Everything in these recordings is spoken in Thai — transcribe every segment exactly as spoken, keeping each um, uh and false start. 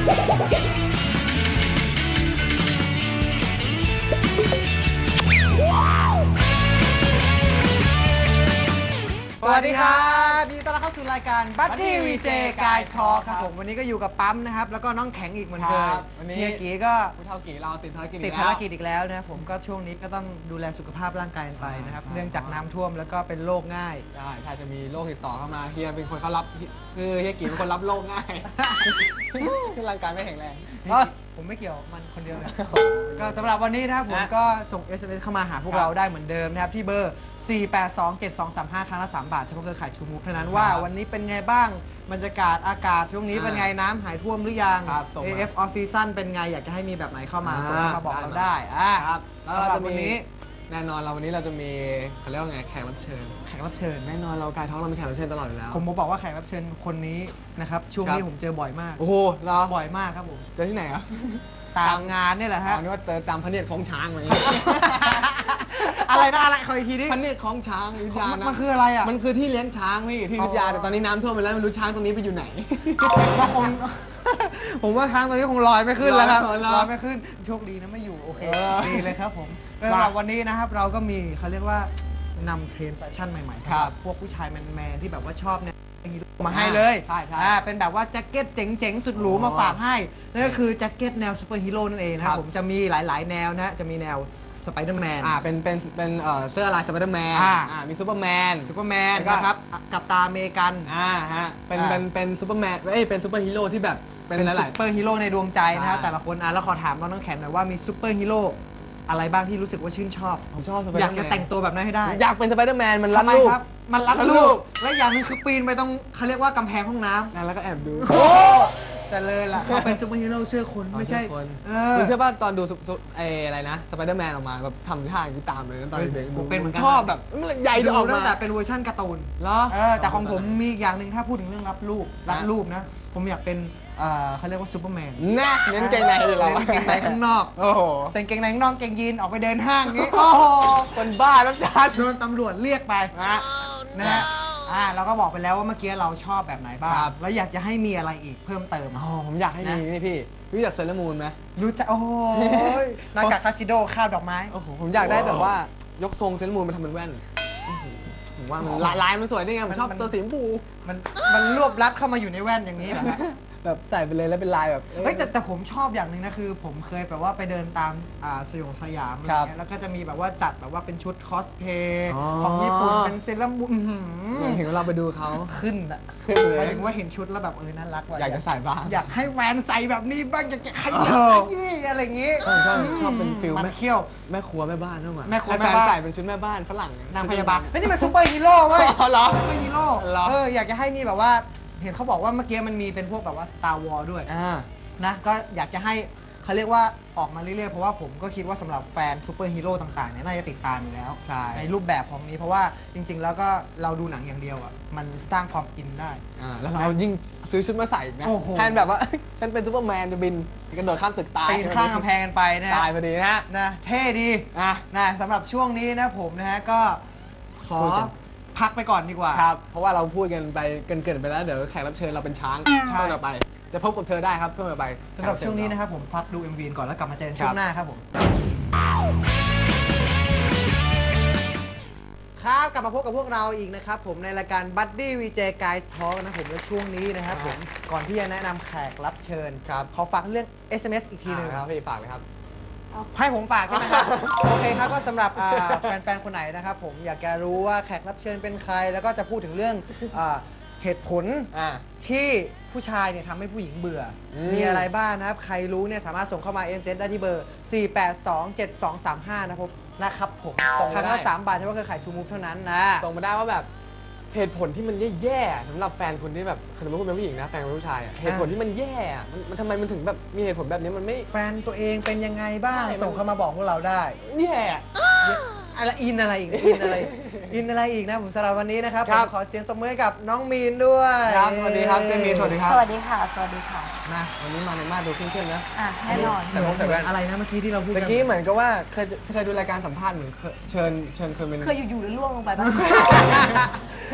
สวัสดีครับยินดีต้อนรับเข้าสู่รายการ Buddy วี เจ Guys Talk ครับผมวันนี้ก็อยู่กับปั๊มนะครับแล้วก็น้องแข็งอีกเหมือนเคยเฮียกีก็ผู้เฒ่ากีเราติดภารกิจติดภารกิจอีกแล้วนะครับผมก็ช่วงนี้ก็ต้องดูแลสุขภาพร่างกายไปนะครับเนื่องจากน้ำท่วมแล้วก็เป็นโรคง่ายใช่ถ้าจะมีโรคติดต่อเข้ามาเฮียเป็นคนเขารับคือเฮียกีเป็นคนรับโรคง่ายคือร่างกายไม่แข็งแรงผมไม่เกี่ยวมันคนเดียวเลยก็สำหรับวันนี้นะครับผมก็ส่ง เอส เอ็ม เอส เข้ามาหาพวกเราได้เหมือนเดิมนะครับที่เบอร์ สี่ แปด สอง เจ็ด สอง สาม ห้า ครั้งละสามบาทเฉพาะเครือข่ายชูมูฟเท่านั้นว่าวันนี้เป็นไงบ้างบรรยากาศอากาศช่วงนี้เป็นไงน้ำหายท่วมหรือยัง เอ เอฟ Off Season เป็นไงอยากจะให้มีแบบไหนเข้ามาส่งมาบอกเราได้ครับแล้วเราจะมีแน่นอนเราวันนี้เราจะมีเขาเรียกว่าไงแขกรับเชิญแขกรับเชิญแน่นอนเรากายท้องเรามีแขกรับเชิญตลอดอยู่แล้วผมบอกว่าแขกรับเชิญคนนี้นะครับช่วงนี้ผมเจอบ่อยมากโอ้โหเหรอบ่อยมากครับผมเจอที่ไหนครับตามงานนี่แหละฮะอ๋อนึกว่าเจอตามพระเนตรของช้างอะไรอะไรนะอะไรขออีกทีดิพระเนตรของช้างวิทยานะมันคืออะไรอ่ะมันคือที่เลี้ยงช้างพี่ที่วิทยาแต่ตอนนี้น้ำท่วมไปแล้วไม่รู้ช้างตรงนี้ไปอยู่ไหนบางคนผมว่าช้างตรงนี้คงลอยไม่ขึ้นแล้วครับลอยไม่ขึ้นโชคดีนะไม่อยู่โอเคดีเลยครับผมสำหรับวันนี้นะครับเราก็มีเขาเรียกว่านำเทรนด์แฟชั่นใหม่ๆครับพวกผู้ชายแมนๆที่แบบว่าชอบเนี่ยมาให้เลยใช่ใช่เป็นแบบว่าแจ็คเก็ตเจ๋งๆสุดหรูมาฝากให้นั่นก็คือแจ็คเก็ตแนวซูเปอร์ฮีโร่นั่นเองนะครับผมจะมีหลายๆแนวนะจะมีแนวสไปเดอร์แมนอ่าเป็นเป็นเป็นเสื้อลายสไปเดอร์แมนอ่ามีซูเปอร์แมนซูเปอร์แมนนะครับกับตาอเมริกันอ่าฮะเป็นเป็นเป็นซูเปอร์แมนเอ้ยเป็นซูเปอร์ฮีโร่ที่แบบเป็นซูเปอร์ฮีโร่ในดวงใจนะครับแต่ละคนอ่ะแล้วขอถามน้องแขนหน่อยว่ามีซูเปอร์ฮีโร่อะไรบ้างที่รู้สึกว่าชื่นชอบผมชอบอยากจะแต่งตัวแบบนั้นให้ได้อยากเป็นสไปเดอร์แมนมันรัดลูกมันรัดลูกและอย่างนึงคือปีนไปตรงเขาเรียกว่ากำแพงห้องน้ำแล้วก็แอบดูโอ้แต่เลยล่ะเขาเป็นซูเปอร์ฮีโร่เชื่อคนไม่ใช่คุณเชื่อป่ะตอนดูไอ้อะไรนะสไปเดอร์แมนออกมาแบบทำท่าอย่างนี้ตามเลยตอนเด็กผมเป็นเหมือนกันชอบแบบใหญ่ดูตั้งแต่เป็นเวอร์ชันการ์ตูนเหรอแต่ของผมมีอย่างหนึ่งถ้าพูดถึงเรื่องรับรูปรัดรูปนะผมอยากเป็นเขาเรียกว่าซูเปอร์แมนนะเน้นเกงในเลยเราเน้นเกงในข้างนอกโอ้โหใส่เกงในข้างนอกเกงยีนออกไปเดินห้างนี้โอ้โหคนบ้าแล้วจ้าโดนตำรวจเรียกไปนะฮะอ่าเราก็บอกไปแล้วว่าเมื่อกี้เราชอบแบบไหนบ้างแล้วอยากจะให้มีอะไรอีกเพิ่มเติมอ๋อผมอยากให้มีนี่พี่รู้จักเซเลอร์มูนไหมรู้จักโอ้ยหน้ากากคาสิโดข้าวดอกไม้โอ้โหผมอยากได้แบบว่ายกทรงเซเลอร์มูนมาทำเป็นแว่นผมว่ามันลายมันสวยนี่ไงผมชอบตัวสีชมพูมันมันรวบรัดเข้ามาอยู่ในแว่นอย่างนี้เหรอแบบใส่ไปเลยแล้วเป็นลายแบบเฮ้ยแต่แต่ผมชอบอย่างหนึ่งนะคือผมเคยแบบว่าไปเดินตามอ่าสยองสยามอะไรเงี้ยแล้วก็จะมีแบบว่าจัดแบบว่าเป็นชุดคอสเพย์ของญี่ปุ่นเป็นเซเลอร์มูนเห็นเราไปดูเขาขึ้นอะขึ้นเลยหมายถึงว่าเห็นชุดแล้วแบบเออน่ารักว่ะอยากจะใส่บ้างอยากให้แวนใส่แบบนี้บ้างอยากจะขยับยี่อะไรเงี้ยชอบชอบเป็นฟิลมันเขี้ยวแม่ครัวแม่บ้านนั่นหว่าแม่ครัวแม่บ้านใส่เป็นชุดแม่บ้านฝรั่งนางพยาบาลเฮ้ยนี่มันซูเปอร์ฮีโร่เว้ยเหรอซูเปอร์ฮีโร่เอออยากจะให้มีแบบว่าเห็นเขาบอกว่าเมื่อกี้มันมีเป็นพวกแบบว่า Star Wars ด้วยนะก็อยากจะให้เขาเรียกว่าออกมาเรื่อยๆเพราะว่าผมก็คิดว่าสำหรับแฟนซูเปอร์ฮีโร่ต่างๆเนี่ยน่าจะติดตามอยู่แล้วใ, ในรูปแบบของนี้เพราะว่าจริงๆแล้วก็เราดูหนังอย่างเดียวอ่ะมันสร้างความอินได้แล้วเรายิ่งซื้อชุดมาใส่นะแทนแบบว่าฉันเป็นซูเปอร์แมนจะบินกระโดดข้ามตึกตายปีนข้ามกำแพงกันไปนะตายพอดีนะนะเท่ดีนะสำหรับช่วงนี้นะผมนะฮะก็ขอพักไปก่อนดีกว่าครับเพราะว่าเราพูดกันไปเกินๆไปแล้วเดี๋ยวแขกรับเชิญเราเป็นช้างช่วงต่อไปจะพบกับเธอได้ครับช่วงต่อไปสำหรับช่วงนี้นะครับผมพักดู เอ็ม วี ก่อนแล้วกลับมาเจอกันช่วงหน้าครับผมครับกลับมาพบกับพวกเราอีกนะครับผมในรายการ Buddy วี เจ Guys Talk นะผมและช่วงนี้นะครับผมก่อนที่จะแนะนำแขกรับเชิญครับขอฝากเรื่อง เอส เอ็ม เอส อีกทีนึงครับพี่ฝากเลยครับให้ผมฝากใช่ไหมครับโอเคครับก็สำหรับแฟนๆคนไหนนะครับผมอยากจะรู้ว่าแขกรับเชิญเป็นใครแล้วก็จะพูดถึงเรื่องเหตุผลที่ผู้ชายเนี่ยทำให้ผู้หญิงเบื่อมีอะไรบ้างนะครับใครรู้เนี่ยสามารถส่งเข้ามา เอ็ม เอส ได้ที่เบอร์ สี่ แปด สอง เจ็ด สอง สาม ห้า นะครับนะครับผมครั้งละสามบาทเฉพาะเครือข่ายชูมูฟเท่านั้นนะส่งมาได้ว่าแบบเหตุผลที่มันแย่ๆสำหรับแฟนคนที่แบบสมมติคุณเป็นผู้หญิงนะแฟนเป็นผู้ชายเหตุผลที่มันแย่มันทำไมมันถึงแบบมีเหตุผลแบบนี้มันไม่แฟนตัวเองเป็นยังไงบ้างส่งเข้ามาบอกพวกเราได้แย่อะไรอินอะไรอีกอินอะไรอินอะไรอีกนะผมสำหรับวันนี้นะครับผมขอเสียงตบมือกับน้องมีนด้วยครับสวัสดีครับเจมีนสวัสดีครับสวัสดีค่ะสวัสดีค่ะมาวันนี้มาในมาดูเข้มๆนะอ่ะแน่นอนแต่ผมแต่อะไรนะเมื่อกี้ที่เราพูดเมื่อกี้เหมือนกับว่าเคยเคยดูรายการสัมภาษณ์เหมือนเชิญเชิญเคยเป็นเคยอยู่ๆแล้วล่วงลงไปบ้างไอ้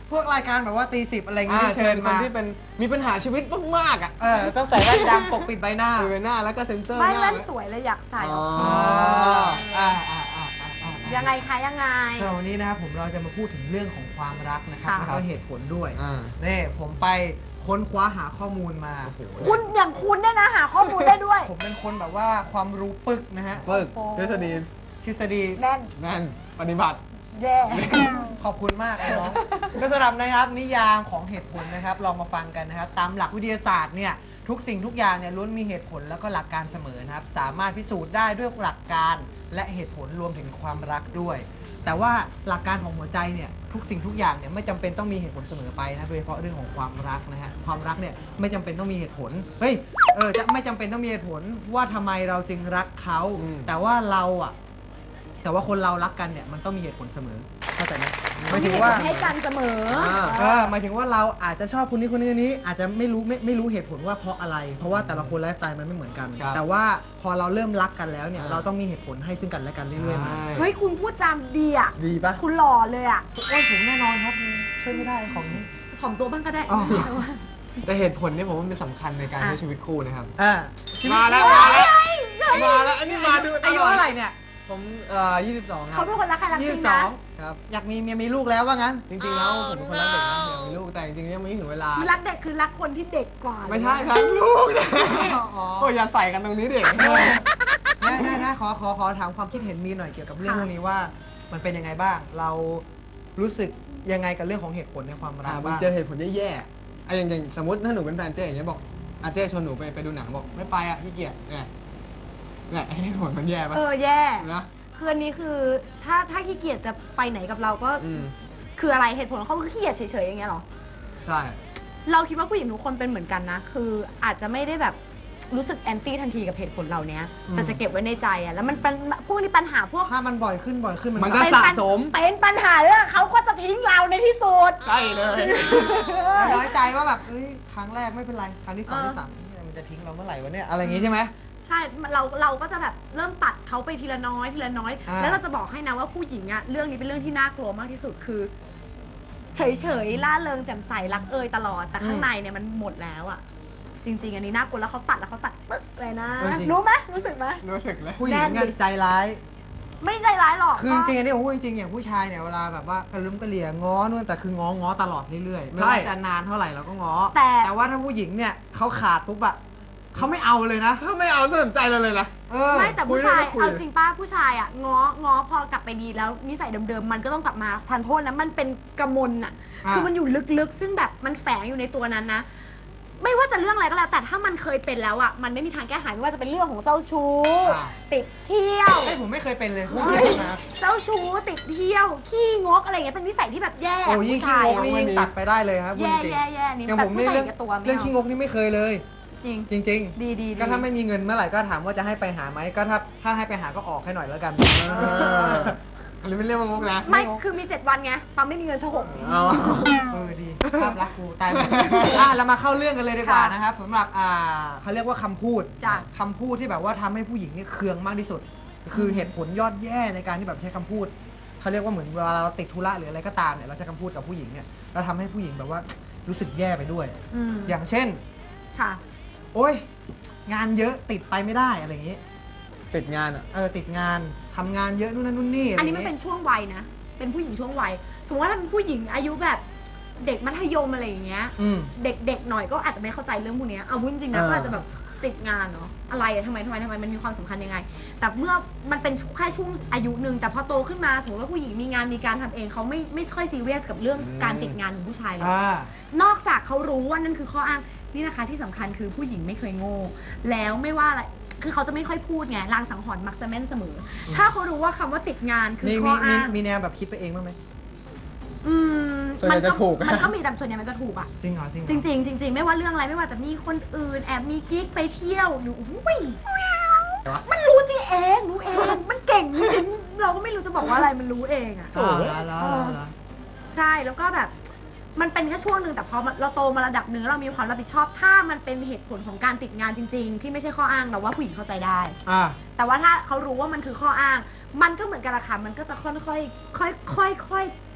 พวกรายการแบบว่าตีสิบอะไรอย่างงี้อ่าที่เชิเชิญญคนมาที่เป็นมีปัญหาชีวิตมากๆอ่ะเออต้องใส่แว่นดำปกปิดใบหน้ามีใบหน้าแล้วก็เซ็นเซอร์ไม่หน้าแว่นไว้สวยเลยอยากใส่อ๋ออ่าอ่าอ่าอ่าอ่ายังไงคะยังไงสำหรับวันนี้นะครับผมเราจะมาพูดถึงเรื่องของความรักนะครับค่ะแล้วก็เหตุผลด้วยอ่านี่ผมไปค้นคว้าหาข้อมูลมาคุณอย่างคุณเนี่ยนะหาข้อมูลได้ด้วยผมเป็นคนแบบว่าความรู้ปึกนะฮะปึกโอ้โหทฤษฎีทฤษฎีแน่นนั่นปฏิบัติแย่ขอบคุณมากไอ้น้อง ก็สำหรับนะครับนิยามของเหตุผลนะครับลองมาฟังกันนะครับตามหลักวิทยาศาสตร์เนี่ยทุกสิ่งทุกอย่างเนี่ยล้วนมีเหตุผลแล้วก็หลักการเสมอนะครับสามารถพิสูจน์ได้ด้วยหลักการและเหตุผลรวมถึงความรักด้วย แต่ว่าหลักการของหัวใจเนี่ยทุกสิ่งทุกอย่างเนี่ยไม่จำเป็นต้องมีเหตุผลเสมอไปนะโดยเฉพาะเรื่องของความรักนะฮะความรักเนี่ยไม่จำเป็นต้องมีเหตุผลเฮ้ยเออจะไม่จำเป็นต้องมีเหตุผลว่าทำไมเราจึงรักเขาอืมแต่ว่าเราอ่ะแต่ว่าคนเรารักกันเนี่ยมันต้องมีเหตุผลเสมอเข้าใจไหมหมายถึงว่าให้กันเสมออ่าเออหมายถึงว่าเราอาจจะชอบคนนี้คนนี้คนนี้อาจจะไม่รู้ไม่ไม่รู้เหตุผลว่าเพราะอะไร เพราะว่าแต่ละคนไลฟ์สไตล์มันไม่เหมือนกันครับแต่ว่าพอเราเริ่มรักกันแล้วเนี่ยอ่าเราต้องมีเหตุผลให้ซึ่งกันและกันเรื่อยๆมาเฮ้ยคุณพูดจามดีอ่ะดีปะคุณหล่อเลยอ่ะโอ้ยผมแน่นอนครับช่วยไม่ได้ของนี้ถ่อมตัวบ้างก็ได้อ๋อแต่เหตุผลเนี่ยผมว่ามันสำคัญในการอ่ะใช้ชีวิตคู่นะครับอ่ามาแล้วมาแล้วมาแล้วอันนี้มาดูอายุเท่าไหร่เนี่ยผมเอ่อยี่สิบสองคเขารับเป็นคนรักใครรักจยี่ริสิงบสนะองครับอยากมีเมียมีลูกแล้วว่างั้นจริงๆแล้วผมเป็นคนรักเด็กนะอยากมีลูกแต่จริงๆยังไม่ถึงเวลารักเด็กคือรักคนที่เด็กกว่าไม่ใช่รักลูกนะอ๋อโอ้ยอย่าใส่กันตรงนี้เด็กได้ได้ได้ขอขอขอถามความคิดเห็นมีหน่อยเกี่ยวกับเรื่องพวกนี้ว่ามันเป็นยังไงบ้าง เรารู้สึกยังไงกับเรื่องของเหตุผลในความรัอ่าก มันบ้างเจอเหตุผลแย่ๆอ่ะอย่างอย่างสมมติถ้าหนูเป็นแฟนเจ๊อย่างเงี้ยบอกอ่ะเจ๊ชวนหนูไปไปดูหนังบอกไม่ไปอ่ะขี้เกียจเนี่ยเนี่ยเหตุผลมันแย่ปะเออแย่นะคืออันนี้คือถ้าถ้าขี้เกียจจะไปไหนกับเราก็อืมคืออะไรเหตุผลของเขาคือขี้เกียจเฉยๆอย่างเงี้ยเหรอใช่เราคิดว่าผู้หญิงทุกคนเป็นเหมือนกันนะ คืออาจจะไม่ได้แบบรู้สึกแอนตี้ทันทีกับเหตุผลเหล่านี้แต่จะเก็บไว้ในใจอะแล้วมันเป็นพวกนี้ปัญหาพวกถ้ามันบ่อยขึ้นบ่อยขึ้นมันมันก็จะเป็นสะปัญสมเป็นปัญหาเรื่องเขาก็จะทิ้งเราในที่สุดใช่เลยน้อยใจว่าแบบเอ้ยครั้งแรกไม่เป็นไรครั้งที่สองเออที่สามเนี่ยมันจะทิ้งเราเมื่อไหร่วะเนี่ยอะไรอย่างงี้ใช่ไหมใช่เราเราก็จะแบบเริ่มตัดเขาไปทีละน้อยทีละน้อยอ่าแล้วเราจะบอกให้นะว่าผู้หญิงอะเรื่องนี้เป็นเรื่องที่น่ากลัวมากที่สุดคือ เฉยๆล่าเริงแจ่มใสรักเอยตลอดแต่ข้างในเนี่ยมันหมดแล้วอะจริง ๆ อันนี้น่ากลัวแล้วเขาตัดแล้วเขาตัดปึ๊กเลยนะเออจริงรู้ไหมรู้สึกไหมรู้สึกเลยผู้หญิงแน่นดิเงินใจร้ายไม่ได้ใจร้ายหรอกคือจริงๆอันนี้ผมพูดจริงๆอย่างผู้ชายเนี่ยเวลาแบบว่ากระลุ้มกระเหลี่ยง้อนู่นแต่คือง้อง้อตลอดเรื่อยๆไม่ว่าจะนานเท่าไหร่เราก็ง้อแต่แต่ว่าถ้าผู้หญิงเนี่ยเขาขาดปุ๊บอะเขาไม่เอาเลยนะถ้าไม่เอาสนใจเราเลยนะเออไม่แต่คุยผู้ชายได้ก็คุยเอาจริงป้าผู้ชายอ่ะง้อง้อพอกลับไปดีแล้วนิสัยเดิมๆมันก็ต้องกลับมาทานโทษนะมันเป็นกระมลอ่ะอ่าคือมันอยู่ลึกๆ ซึ่งแบบมันแฝงอยู่ในตัวนั้นนะ ไม่ว่าจะเรื่องอะไรก็แล้ว แต่ถ้ามันเคยเป็นแล้วอ่ะมันไม่มีทางแก้ไขไม่ว่าจะเป็นเรื่องของเจ้าชู้อ่าติดเที่ยวไอ้ยผมไม่เคยเป็นเลยพูดเฮ้จริยงนะเจ้าชู้ติดเที่ยว ขี้งกอะไรอย่างเงี้ยเป็นนิสัยที่แบบแย่โอ้ยิ่งผู้ขี้ชายงกอะนี่ยิ่งตัดไปได้เลยครับพูดแย่จริงแย่แย่นี่อย่างแบบผมผู้นี่ชายเรื่องกับตัวไม่เรื่องเอาขี้งกนี่ไม่เคยเลยจริงจริงดีดีๆ ก็ถ้าไม่มีเงินเมื่อไหร่ก็ถามว่าจะให้ไปหาไหมก็ถ้าถ้าให้ไปหาก็ออกให้หน่อยแล้วกันเอออันนี้ไม่เรียกว่างกนะไม่คือมีเจ็ดวันไงตอนไม่มีเงินเฉหกเอาเออดีภาพลักษณ์กูตายหมดอ่ะเรามาเข้าเรื่องกันเลยดีกว่าค่ะนะครับสำหรับอ่าเขาเรียกว่าคำพูดจ้ะคำพูดที่แบบว่าทำให้ผู้หญิงนี่เคืองมากที่สุด คือเหตุผลยอดแย่ในการที่แบบใช้คำพูดเขาเรียกว่าเหมือนเวลาเราติดธุระหรืออะไรก็ตามเนี่ยเราใช้คำพูดกับผู้หญิงเนี่ยเราทำให้ผู้หญิงแบบว่ารู้สึกแย่ไปด้วยอืมอย่างเช่นค่ะโอ๊ยงานเยอะติดไปไม่ได้อะไรอย่างงี้ติดงานอ่ะเออติดงานทำงานเยอะนู่นนั่นนู่นนี่อะไรอัอนนี้ย่างมันงี้เป็นช่วงวัยนะ เป็นผู้หญิงช่วงวัย สมมติว่าถ้าเป็นผู้หญิงอายุแบบเด็กมัธยมอะไรอย่างเงี้ยอืมเด็กๆหน่อยก็อาจจะไม่เข้าใจเรื่องพวกเนี้ยเอาพูดจริงๆนะเออก็อาจจะแบบติดงานเนาะ อะไรอะทำไมทำไมทำไมมันมีความสำคัญยังไง แต่เมื่อมันเป็นแค่ช่วงอายุหนึ่งแต่พอโตขึ้นมาสมมติว่าผู้หญิงมีงานมีการทำเองเขาไม่ไม่ค่อยซีเรียสกับเรื่องการติดงานของผู้ชายเลยอ่านอกจากเขารู้ว่านั่นคือข้ออ้างนี่นะคะที่สำคัญคือผู้หญิงไม่เคยโง่ แล้วไม่ว่าอะไรคือเขาจะไม่ค่อยพูดไงลางสังหรณ์มักจะแม่นเสมอ ถ้าเขารู้ว่าคำว่าติดงานคือนี่ข้มีอมีอ้างมีแนวแบบคิดไปเองบ้างไหมอืมส่วนใหญ่มันจะถูกมันก็มีแต่ส่วนใหญ่มันจะถูกอ่ะจริงเหรอจริงเหรอจริง ๆ จริง ๆ ไม่ว่าเรื่องอะไรไม่ว่าจะมีคนอื่นแอบมีกิ๊กไปเที่ยวหนูอุ้ยมันรู้ที่เองรู้เองมันเก่งจริงๆเราก็ไม่รู้จะบอกว่าอะไรมันรู้เองอ่ะอ่าแล้วแล้วแล้วแล้วใช่แล้วก็แบบมันเป็นแค่ช่วงหนึ่งแต่พอเราโตมาระดับหนึ่งเรามีความรับผิดชอบถ้ามันเป็นเหตุผลของการติดงานจริง ๆ ที่ไม่ใช่ข้ออ้างเราว่าผู้หญิงเข้าใจได้อ่าแต่ว่าถ้าเขารู้ว่ามันคือข้ออ้าง มันก็เหมือนกันละค่ะมันก็จะค่อยๆค่อยๆค่อยๆ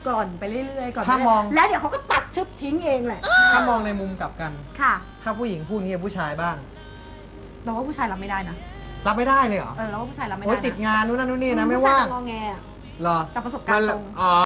กล่อนไปเรื่อยๆกล่อนไปถ้ามองเรื่อยๆแล้วเดี๋ยวเขาก็ตัดชึบทิ้งเองแหละถ้ามองในมุมกลับกันค่ะถ้าผู้หญิงพูดงี้กับผู้ชายบ้างเราว่าผู้ชายรับไม่ได้นะรับไม่ได้เลยเหรอเออเราว่าผู้ชายรับไม่ได้โอ้ยนะติดงานนู้นนั่นนู่นนี่นะไม่ว่างผู้ชยจะงอแงอะเหรอจากประสบการณ์ตรงอ๋อ